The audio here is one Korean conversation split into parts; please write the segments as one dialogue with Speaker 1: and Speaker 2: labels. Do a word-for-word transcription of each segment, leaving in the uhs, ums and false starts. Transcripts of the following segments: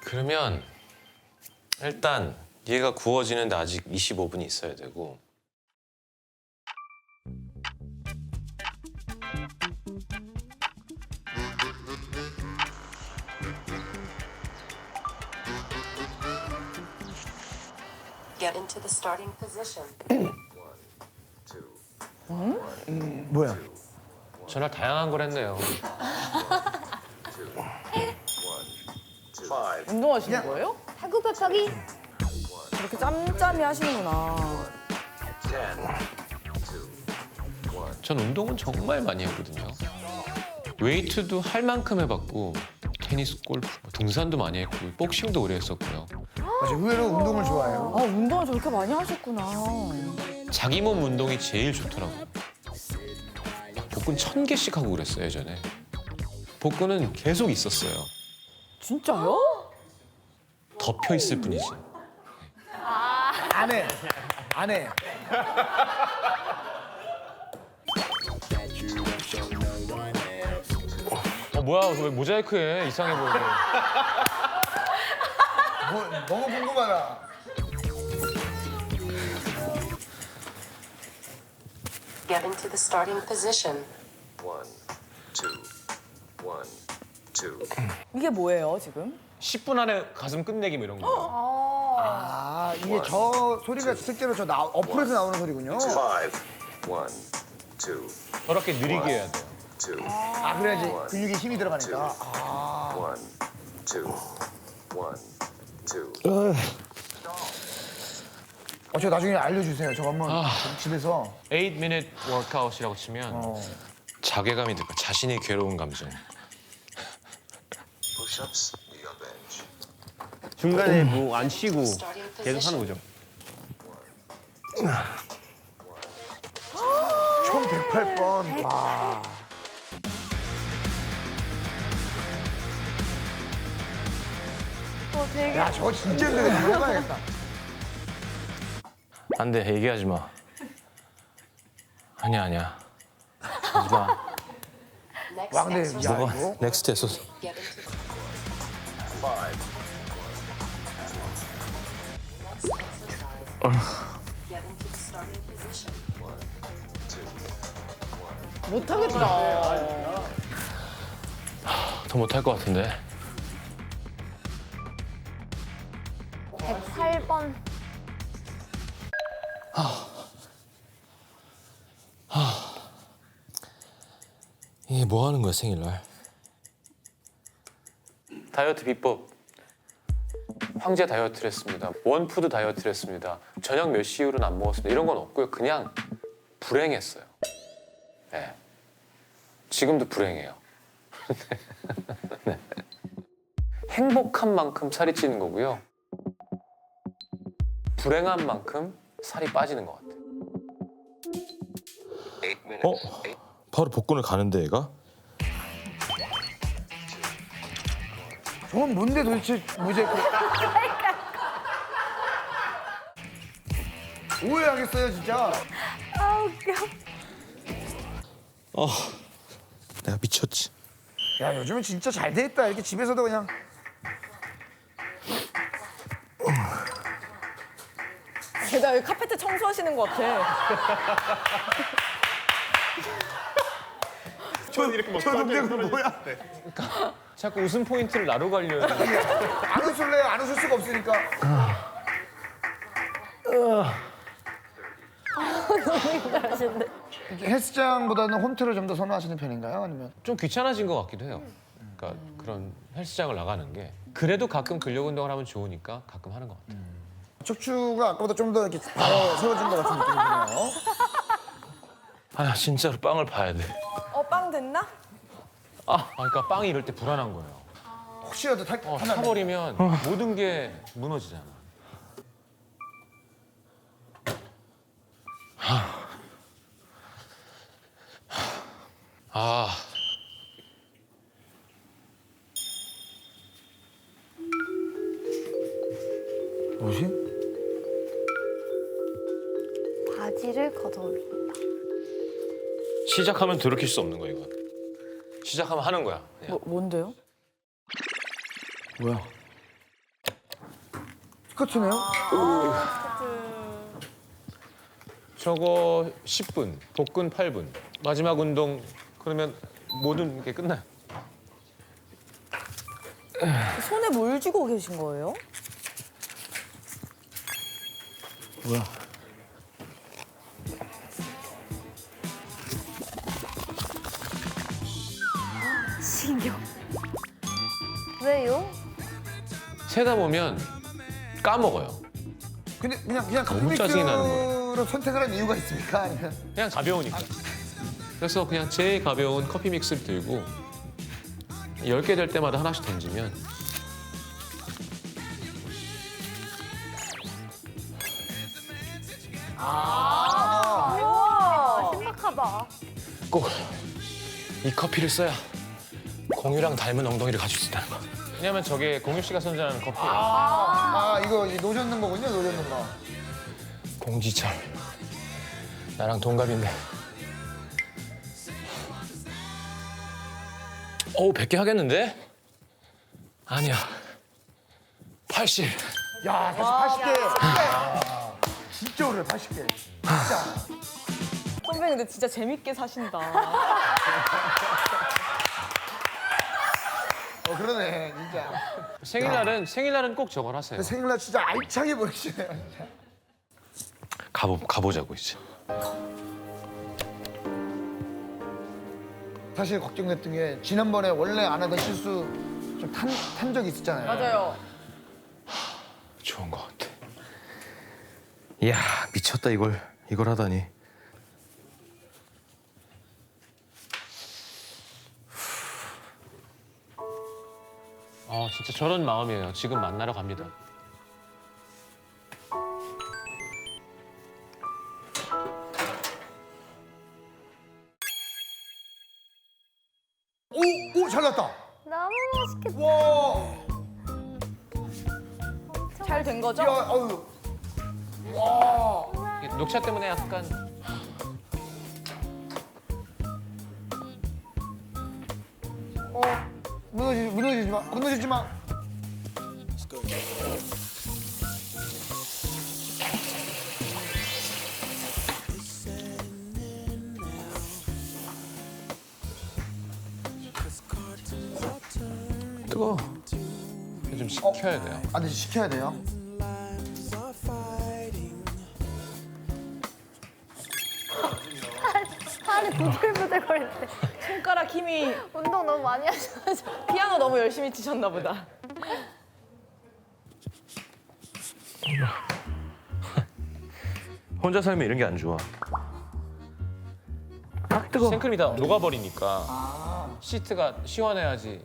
Speaker 1: 그러면 일단 얘가 구워지는데 아직 이십오 분이 있어야 되고
Speaker 2: Get into the starting position.
Speaker 3: 뭐야?
Speaker 1: 전화 다양한 걸 했네요.
Speaker 4: 운동하시는 거예요?
Speaker 5: 팔굽혀펴기?
Speaker 4: 그렇게 짬짬이 하시는구나.
Speaker 1: 전 운동은 정말 많이 했거든요. 웨이트도 할 만큼 해봤고 테니스, 골프, 뭐 등산도 많이 했고 복싱도 오래 했었고요.
Speaker 3: 맞아, 의외로 운동을 좋아해요.
Speaker 4: 아, 운동을 저렇게 많이 하셨구나.
Speaker 1: 자기 몸 운동이 제일 좋더라고요. 막 복근 천 개씩 하고 그랬어요, 예전에. 복근은 계속 있었어요.
Speaker 4: 진짜요?
Speaker 1: 덮여 있을 뿐이지.
Speaker 3: 안 해. 안 해.
Speaker 1: 어, 뭐야, 왜 모자이크해? 이상해 보이네.
Speaker 3: 뭐, 너무 궁금하다.
Speaker 2: Get into the starting position.
Speaker 6: One, two, one, two.
Speaker 4: 이게 뭐예요, 지금?
Speaker 1: 십 분 안에 가슴 끝내기 뭐 이런 거.
Speaker 3: 아, 이게 저 소리가 실제로 저 나, 어플에서 나오는 소리군요.
Speaker 6: Five, one, two,
Speaker 1: 저렇게 느리게 해야 돼요.
Speaker 6: two,
Speaker 3: 아, 그래야지 근육에 힘이 들어가니까. 아.
Speaker 6: one, two, one, two.
Speaker 3: 어, 저 나중에 알려주세요. 저 한번 집에서.
Speaker 1: eight minute workout이라고 치면
Speaker 3: 어.
Speaker 1: 자괴감이 들까 자신이 괴로운 감정.
Speaker 6: Push-ups, knee on bench.
Speaker 7: 중간에 뭐 안 쉬고
Speaker 2: Starting
Speaker 7: 계속 하는
Speaker 2: position.
Speaker 7: 거죠.
Speaker 3: 총 백팔 번. 와.
Speaker 5: 어, 되게
Speaker 3: 야, 저거 진짜 힘들겠다. 한번 해봐야겠다.
Speaker 1: 안 돼, 얘기하지 마. 아니야, 아니야. 하지 마.
Speaker 2: Next
Speaker 3: 와, 근데
Speaker 2: exercise.
Speaker 3: 야, 이거.
Speaker 1: 넥스트 했어.
Speaker 2: Get into the
Speaker 6: Five,
Speaker 2: next exercise. Get into the starting position.
Speaker 4: 못하겠다.
Speaker 1: 더 못할 것 같은데.
Speaker 5: 백팔 번.
Speaker 1: 이게 뭐 하는 거야, 생일날? 다이어트 비법. 황제 다이어트를 했습니다. 원푸드 다이어트를 했습니다. 저녁 몇 시 이후로는 안 먹었습니다. 이런 건 없고요. 그냥 불행했어요. 네. 지금도 불행해요. 네. 행복한 만큼 살이 찌는 거고요. 불행한 만큼 살이 빠지는 것 같아요.
Speaker 6: eight minutes.
Speaker 1: 어?
Speaker 6: Eight,
Speaker 1: 바로 복근을 가는데, 얘가?
Speaker 3: 저건 뭔데 도대체 모자이크. 오해하겠어요, 진짜.
Speaker 5: 아, 웃겨.
Speaker 1: 어, 내가 미쳤지.
Speaker 3: 야, 요즘은 진짜 잘 돼 있다. 이렇게 집에서도 그냥.
Speaker 4: 게다가 여기 카페트 청소하시는 것 같아.
Speaker 7: 전 이렇게 막
Speaker 3: 저 동작은 뭐야?
Speaker 1: 자꾸 웃음 포인트를 나로 가려요.
Speaker 3: 안 웃을래요? 안 웃을 수가 없으니까. 이렇게 헬스장보다는 홈트를 좀 더 선호하시는 편인가요? 아니면?
Speaker 1: 좀 귀찮아진 것 같기도 해요. 그러니까 그런 헬스장을 나가는 게 그래도 가끔 근력 운동을 하면 좋으니까 가끔 하는 것 같아요.
Speaker 3: 척추가 아까보다 좀 더 이렇게 더 세워진 것 같은 느낌이 드네요.
Speaker 1: 아 진짜로 빵을 봐야 돼.
Speaker 4: 어, 빵 됐나?
Speaker 1: 아 그러니까 빵이 이럴 때 불안한 거예요.
Speaker 3: 혹시라도 탈,
Speaker 1: 어,
Speaker 3: 타면
Speaker 1: 타버리면 모든 게 무너지잖아. 아
Speaker 3: 뭐지?
Speaker 5: 바지를 걷어올린다.
Speaker 1: 시작하면 돌이킬 수 없는 거야 이건. 시작하면 하는 거야. 그냥.
Speaker 4: 뭐, 뭔데요?
Speaker 3: 뭐야? 스커트네요?
Speaker 1: 저거 십 분, 복근 팔 분. 마지막 운동 그러면 모든 게 끝나요.
Speaker 4: 손에 뭘 쥐고 계신 거예요?
Speaker 3: 뭐야?
Speaker 5: 신경. 왜요?
Speaker 1: 세다 보면 까먹어요.
Speaker 3: 근데 그냥 그냥
Speaker 1: 너무 짜증이 나는
Speaker 3: 커피믹스로 선택을 한 이유가 있습니까? 아니면
Speaker 1: 그냥 가벼우니까. 그래서 그냥 제일 가벼운 커피 믹스를 들고 열 개 될 때마다 하나씩 던지면
Speaker 5: 우와, 신박하다.
Speaker 1: 꼭 이 커피를 써야 공유랑 닮은 엉덩이를 가질 수 있다는 거. 왜냐면 저게 공유 씨가 선전하는 커피예요.
Speaker 3: 아 이거 이 노젓는 거군요, 노젓는 거.
Speaker 1: 공지철. 나랑 동갑인데. 어우, 백 개 하겠는데? 아니야. 팔십.
Speaker 3: 야, 다시 팔십 개. 진짜 오래 팔십 개. 진짜.
Speaker 4: 선배 근데 진짜 재밌게 사신다.
Speaker 3: 어 그러네, 진짜.
Speaker 1: 생일날은 생일날은 꼭 저걸 하세요.
Speaker 3: 생일날 진짜 알차게 보내시네요, 진짜.
Speaker 1: 가보 가보자고 이제.
Speaker 3: 사실 걱정됐던 게 지난번에 원래 안 하던 실수 좀 탄 탄 적이 있었잖아요.
Speaker 4: 맞아요.
Speaker 1: 좋은 것 같아. 이야, 미쳤다 이걸 이걸 하다니. 아, 진짜 저런 마음이에요. 지금 만나러 갑니다.
Speaker 3: 오, 오, 잘 났다.
Speaker 5: 너무 맛있겠다.
Speaker 3: 와,
Speaker 4: 잘 된 거죠?
Speaker 3: 야, 어유. 와,
Speaker 1: 이게 녹차 때문에 약간
Speaker 3: 어, 무너지지, 무너지지 마, 무너지지 마.
Speaker 1: 뜨거. 좀 식혀야 돼요.
Speaker 3: 아, 근데 시켜야 돼요.
Speaker 5: 팔이 부들부들 거릴 때.
Speaker 4: 손가락 힘이
Speaker 5: 운동 너무 많이 하셔가지고.
Speaker 4: 피아노 너무 열심히 치셨나 보다.
Speaker 8: 혼자 살면 이런 게 안 좋아.
Speaker 1: 생크림이 다 녹아버리니까 시트가 시원해야지.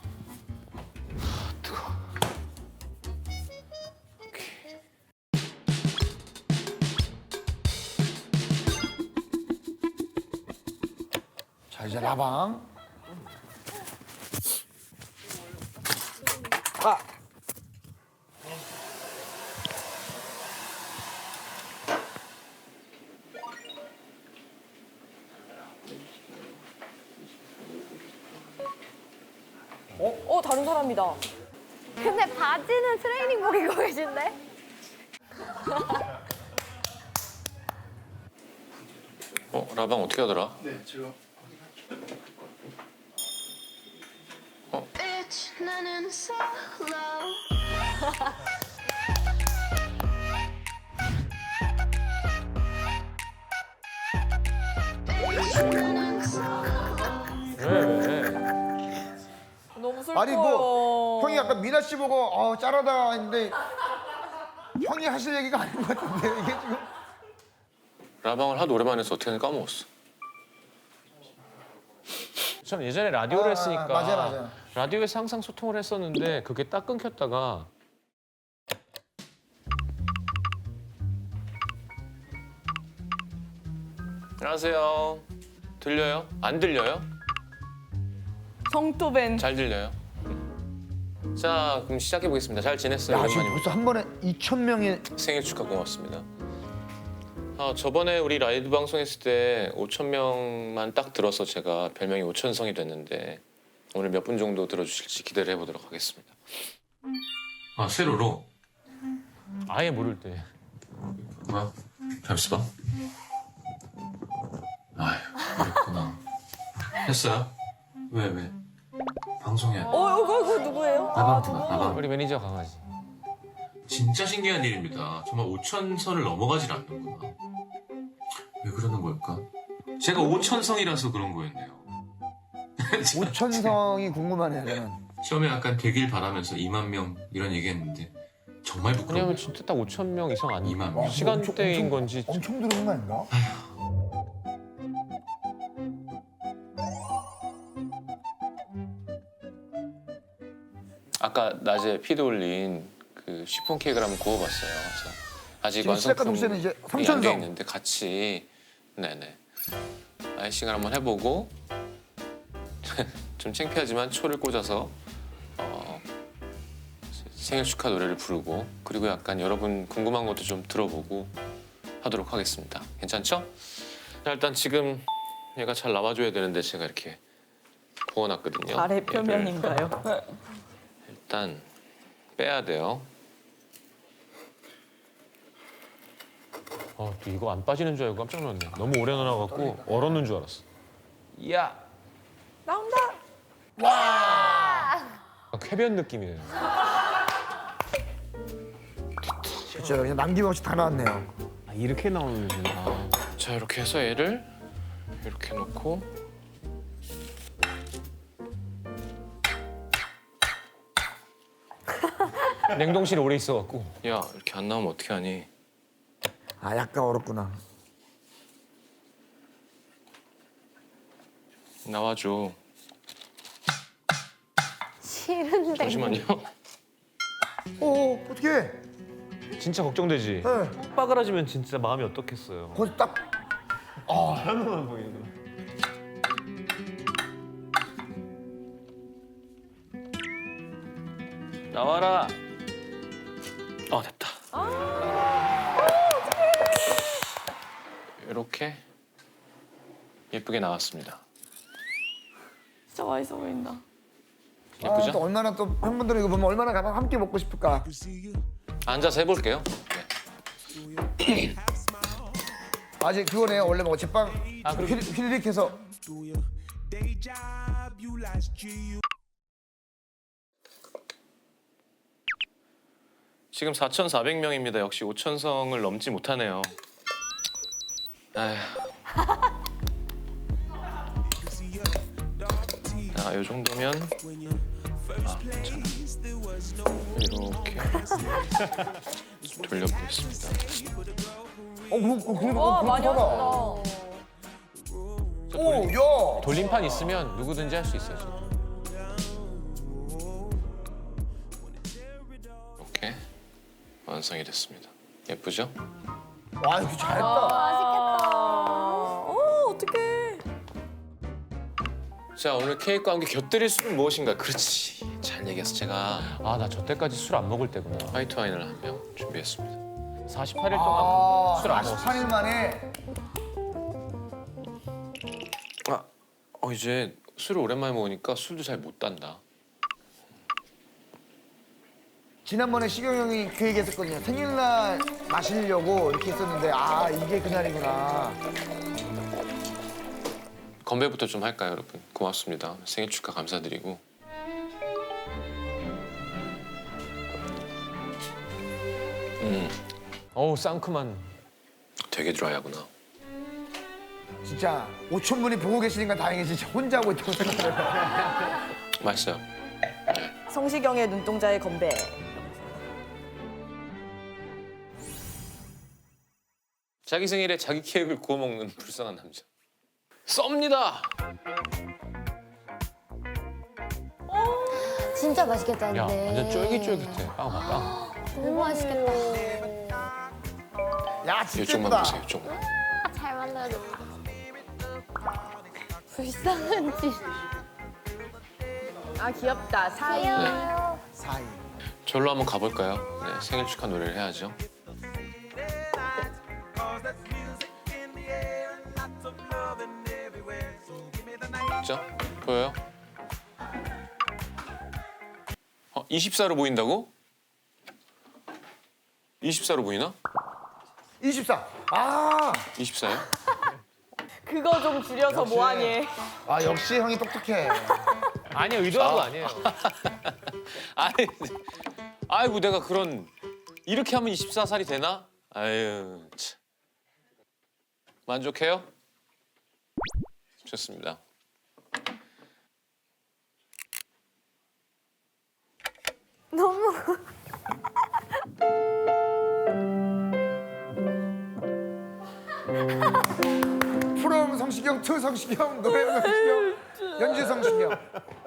Speaker 3: 자, 이제 라방. 아.
Speaker 4: 어, 다른 사람이다.
Speaker 5: 근데 바지는 트레이닝복 입고 계신데?
Speaker 1: 어, 라방 어떻게 하더라?
Speaker 9: Bitch, 나는 solo. Bitch, 나는 solo.
Speaker 1: 왜 왜?
Speaker 4: 너무 슬퍼요.
Speaker 3: 아니 뭐 형이 아까 미나 씨 보고 어 짤하다 했는데 형이 하실 얘기가 아닌 것 같은데 이게 지금.
Speaker 1: 라방을 하도 오랜만에 해서 어떻게 하는지 까먹었어. 저는 예전에 라디오를
Speaker 3: 아,
Speaker 1: 했으니까
Speaker 3: 맞아요, 맞아요.
Speaker 1: 라디오에서 항상 소통을 했었는데 그게 딱 끊겼다가 안녕하세요. 들려요? 안 들려요?
Speaker 4: 성토벤.
Speaker 1: 잘 들려요? 자, 그럼 시작해 보겠습니다. 잘 지냈어요?
Speaker 3: 야 지금
Speaker 1: 오랜만입니다.
Speaker 3: 벌써 한 번에 이천 명이.
Speaker 1: 생일 축하 고맙습니다. 아, 저번에 우리 라이브 방송했을 때 오천 명만 딱 들어서 제가 별명이 오천성이 됐는데 오늘 몇 분 정도 들어주실지 기대를 해보도록 하겠습니다. 아, 세로로? 아예 모를 때.
Speaker 8: 뭐야? 잠시 봐. 아휴, 그랬구나. 했어요? 왜, 왜? 방송이야.
Speaker 4: 어, 이거, 이거 누구예요?
Speaker 8: 나방구나, 나방.
Speaker 1: 우리 매니저 강아지.
Speaker 8: 진짜 신기한 일입니다. 정말 오천 선을 넘어가질 않는구나. 왜 그러는 걸까? 제가 오천성이라서 그런 거였네요.
Speaker 3: 오천성이 궁금하네요, 저는.
Speaker 8: 시험에 약간 되길 바라면서 이만 명 이런 얘기했는데 정말
Speaker 1: 왜냐면
Speaker 8: 부끄러워요.
Speaker 1: 진짜 딱 오천 명 이상 아니고
Speaker 8: 이만 명.
Speaker 1: 시간대인
Speaker 3: 엄청-
Speaker 1: 건지.
Speaker 3: 엄청 들어온 거 아닌가?
Speaker 1: 아까 낮에 피드 올린 그 시폰 케이크를 한번 구워봤어요. 그래서 아직
Speaker 3: 지금 시작과 동시에는
Speaker 1: 완성품이
Speaker 3: 이제
Speaker 1: 안돼
Speaker 3: 삼천성.
Speaker 1: 있는데 같이 네네 아이싱을 한번 해보고 좀 창피하지만 초를 꽂아서 어, 생일 축하 노래를 부르고 그리고 약간 여러분 궁금한 것도 좀 들어보고 하도록 하겠습니다. 괜찮죠? 자, 일단 지금 얘가 잘 나와줘야 되는데 제가 이렇게 구워놨거든요.
Speaker 4: 발의
Speaker 1: 얘를
Speaker 4: 표면인가요?
Speaker 1: 일단 빼야 돼요. 어, 또 이거 안 빠지는 줄 알고 깜짝 놀랐네. 너무 오래 넣어갖고 얼었는 줄 알았어. 이야,
Speaker 4: 나온다.
Speaker 1: 아, 쾌변 느낌이네요.
Speaker 3: 그렇죠. 그냥 남김없이 다 나왔네요.
Speaker 7: 아, 이렇게 나오는구나.
Speaker 1: 자, 이렇게 해서 얘를 이렇게 놓고 냉동실에 오래 있어갖고 야, 이렇게 안 나오면 어떻게 하니?
Speaker 3: 아, 약간 얼었구나.
Speaker 1: 나와줘.
Speaker 5: 싫은데.
Speaker 1: 잠시만요.
Speaker 3: 오, 어떡해.
Speaker 1: 진짜 걱정되지?
Speaker 3: 네.
Speaker 7: 빠그라지면 진짜 마음이 어떻겠어요.
Speaker 3: 거기 딱
Speaker 7: 하나만 보이는.
Speaker 1: 나와라. 어, 됐다. 이렇게 예쁘게 나왔습니다.
Speaker 4: 진짜 맛있어 보인다.
Speaker 3: 아,
Speaker 1: 예쁘죠?
Speaker 3: 또 얼마나 또 팬분들은 이거 보면 얼마나 가방 함께 먹고 싶을까.
Speaker 1: 앉아서 해볼게요. 네.
Speaker 3: 아직 그거네요. 원래 뭐 제빵
Speaker 1: 아, 그리고-
Speaker 3: 휘- 휘리릭해서
Speaker 1: 지금 사천사백 명입니다. 역시 오천성을 넘지 못하네요. 아휴. 자, 이 정도면 아, 괜찮아. 이렇게 돌려보겠습니다.
Speaker 3: 어, 그, 그, 그,
Speaker 4: 와,
Speaker 3: 그,
Speaker 4: 많이
Speaker 3: 그거다.
Speaker 4: 왔다.
Speaker 3: 오, 야.
Speaker 1: 돌림판 있으면 누구든지 할 수 있어요. 지금. 이렇게 완성이 됐습니다. 예쁘죠?
Speaker 3: 와, 이거 잘했다.
Speaker 4: 아, 어, 어떡해.
Speaker 1: 자, 오늘 케이크와 함께 곁들일 술은 무엇인가? 그렇지. 잘 얘기했어. 제가 아, 나 저 때까지 술 안 먹을 때구나. 화이트 와인을 한 병 준비했습니다. 사십팔 일 동안
Speaker 3: 아,
Speaker 1: 술 안 먹었어.
Speaker 3: 사십팔 일 만에
Speaker 1: 아, 어, 이제 술을 오랜만에 먹으니까 술도 잘 못 단다.
Speaker 3: 지난번에 시경 형이 그 얘기 했었거든요. 생일날 마시려고 이렇게 했었는데 아, 이게 그날이구나.
Speaker 1: 건배부터 좀 할까요, 여러분? 고맙습니다. 생일 축하 감사드리고. 음, 어우 상큼한. 되게 드라이하구나.
Speaker 3: 진짜 오천 분이 보고 계시니까 다행이지. 진짜 혼자 하고 있다고 생각해요.
Speaker 1: 맛있어요.
Speaker 4: 성시경의 눈동자의 건배.
Speaker 1: 자기 생일에 자기 케이크를 구워 먹는 불쌍한 남자. 썹니다.
Speaker 5: 진짜 맛있겠다,
Speaker 1: 야,
Speaker 5: 근데.
Speaker 1: 완전 쫄깃쫄깃해. 빵 봐, 빵.
Speaker 5: 너무 맛있겠다.
Speaker 3: 야, 진짜
Speaker 1: 이쪽만
Speaker 3: 예쁘다.
Speaker 1: 보세요, 이쪽만.
Speaker 5: 아, 잘 만들어졌다. 불쌍한 짓.
Speaker 4: 아, 귀엽다. 사이.
Speaker 5: 귀여워요.
Speaker 3: 사이.
Speaker 1: 저로 한번 가볼까요? 네, 생일 축하 노래를 해야죠. 자, 보여요? 어, 이십사로 보인다고? 이십사로 보이나?
Speaker 3: 이십사. 아,
Speaker 1: 이십사요?
Speaker 4: 그거 좀 줄여서
Speaker 3: 역시.
Speaker 4: 뭐하니?
Speaker 3: 아 역시 형이 똑똑해.
Speaker 7: 아니요 의도한 거 아니에요.
Speaker 1: 아니, 아이고 내가 그런 이렇게 하면 이십사 살이 되나? 아유, 참. 만족해요? 좋습니다.
Speaker 5: 너무
Speaker 3: 프롬 성시경, 투 성시경, 노래 성시경, 연주 성시경.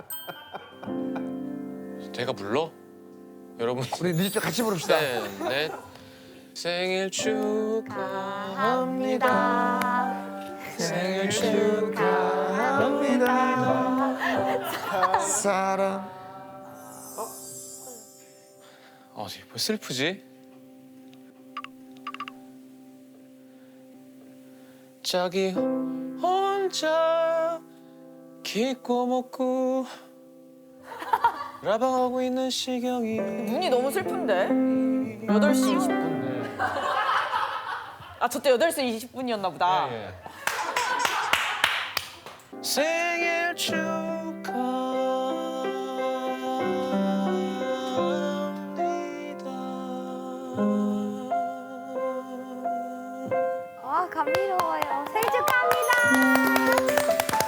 Speaker 1: 제가 불러? 여러분.
Speaker 3: 우리 뮤직비디오 같이 부릅시다.
Speaker 1: 셋, 넷. 생일 축하합니다. 생일 축하합니다.
Speaker 3: 사랑.
Speaker 1: 어, 왜 슬프지? 자기 혼자 기고 먹고 라방하고 있는 시경이
Speaker 4: 눈이 너무 슬픈데? 여덟 시 이십 분. 아, 저때 여덟 시 이십 분이었나 보다.
Speaker 1: 생일 축하합니다.
Speaker 5: 아 감미로워요. 생일 축하합니다.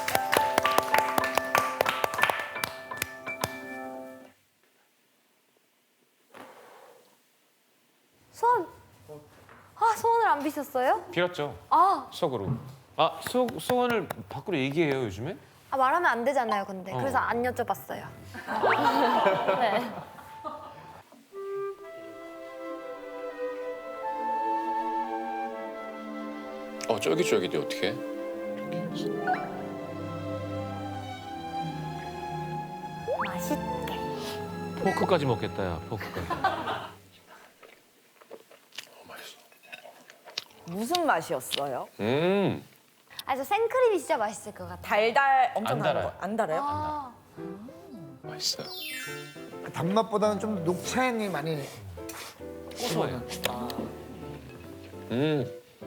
Speaker 5: 소원. 아 소원을 안 비셨어요?
Speaker 7: 빌었죠.
Speaker 5: 아,
Speaker 7: 속으로. 아 소, 소원을 밖으로 얘기해요 요즘에?
Speaker 5: 아 말하면 안 되잖아요. 근데
Speaker 7: 어.
Speaker 5: 그래서 안 여쭤봤어요. 네.
Speaker 1: 어, 쫄깃쫄깃이 어떻게?
Speaker 5: 맛있게.
Speaker 7: 포크까지 먹겠다 야 포크까지.
Speaker 4: 무슨 맛이었어요?
Speaker 1: 음,
Speaker 5: 아 저 생크림이 진짜 맛있을 것 같아요.
Speaker 4: 달달 엄청
Speaker 7: 안
Speaker 4: 달아요.
Speaker 7: 달아요.
Speaker 4: 안 달아요?
Speaker 5: 아,
Speaker 1: 맛있어요.
Speaker 3: 단맛보다는 좀 녹차향이 많이.
Speaker 7: 심어요.
Speaker 1: 음.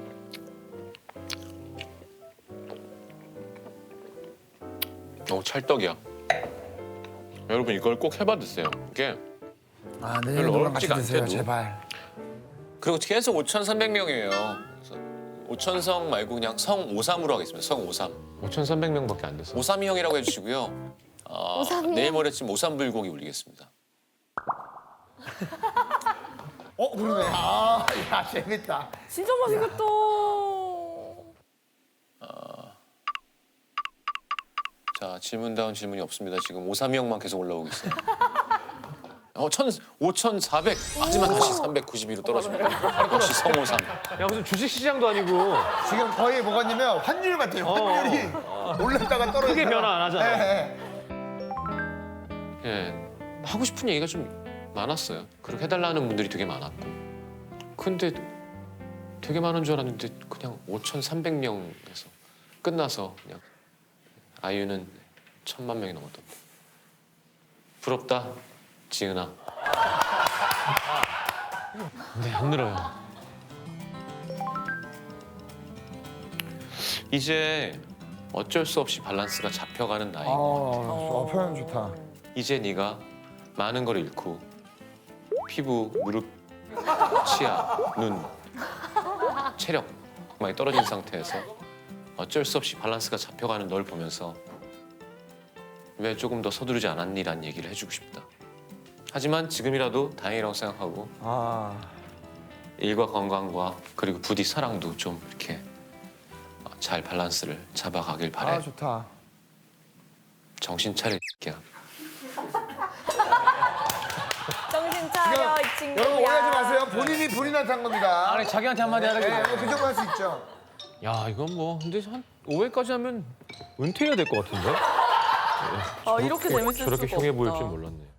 Speaker 1: 오, 찰떡이야. 여러분 이걸 꼭 해봐 드세요. 이게
Speaker 3: 아
Speaker 1: 별로
Speaker 3: 내년 노랑 같이
Speaker 1: 어렵지가
Speaker 3: 드세요
Speaker 1: 않대도.
Speaker 3: 제발.
Speaker 1: 그리고 계속 오천삼백 명이에요. 오천성 말고 그냥 성오삼으로 하겠습니다. 성오삼.
Speaker 7: 오천삼백 명밖에 안 됐어.
Speaker 1: 오삼이 형이라고 해주시고요. 어,
Speaker 5: 오삼이요?
Speaker 1: 내일 모레쯤 오삼불고기 올리겠습니다.
Speaker 3: 어 그러네. 아야 재밌다.
Speaker 4: 진짜 맛있겠다.
Speaker 1: 자, 질문다운 질문이 없습니다. 지금 오삼이 형만 계속 올라오고 있어요. 어, 천, 오천사백. 하지만 다시 삼백구십이로 떨어집니다. 역시 성오삼.
Speaker 7: 야 무슨 주식 시장도 아니고
Speaker 3: 지금 거의 뭐가냐면 환율 같아요. 환율이 올랐다가 떨어졌다.
Speaker 7: 크게 변화 안 하잖아.
Speaker 3: 예, 예.
Speaker 1: 예, 하고 싶은 얘기가 좀 많았어요. 그렇게 해달라는 분들이 되게 많았고. 근데 되게 많은 줄 알았는데 그냥 오천삼백 명에서 끝나서 그냥 아이유는 천만 명이 넘었던데. 부럽다, 지은아.
Speaker 7: 근데 안 늘어요.
Speaker 1: 이제 어쩔 수 없이 밸런스가 잡혀가는 나이.
Speaker 3: 아, 어, 표현 좋다.
Speaker 1: 이제 네가 많은 걸 잃고 피부, 무릎, 치아, 눈, 체력 많이 떨어진 상태에서 어쩔 수 없이 밸런스가 잡혀가는 널 보면서 왜 조금 더 서두르지 않았니라는 얘기를 해주고 싶다. 하지만 지금이라도 다행이라고 생각하고
Speaker 3: 아
Speaker 1: 일과 건강과 그리고 부디 사랑도 좀 이렇게 잘 밸런스를 잡아가길 바래.
Speaker 3: 아, 좋다.
Speaker 1: 정신 차려, 야.
Speaker 4: 정신 차려, 이 친구야.
Speaker 3: 여러분 오해하지 마세요. 본인이 본인한테 한 겁니다.
Speaker 7: 아니 자기한테 한마디 하는
Speaker 3: 네,
Speaker 7: 게.
Speaker 3: 그 정도 할 수 있죠.
Speaker 7: 야 이건 뭐 근데 한 오 회까지 하면 은퇴해야 될 것 같은데?
Speaker 4: 아, 이렇게 재밌을 수가
Speaker 7: 저렇게 흉해 보일
Speaker 4: 없다.
Speaker 7: 줄 몰랐네.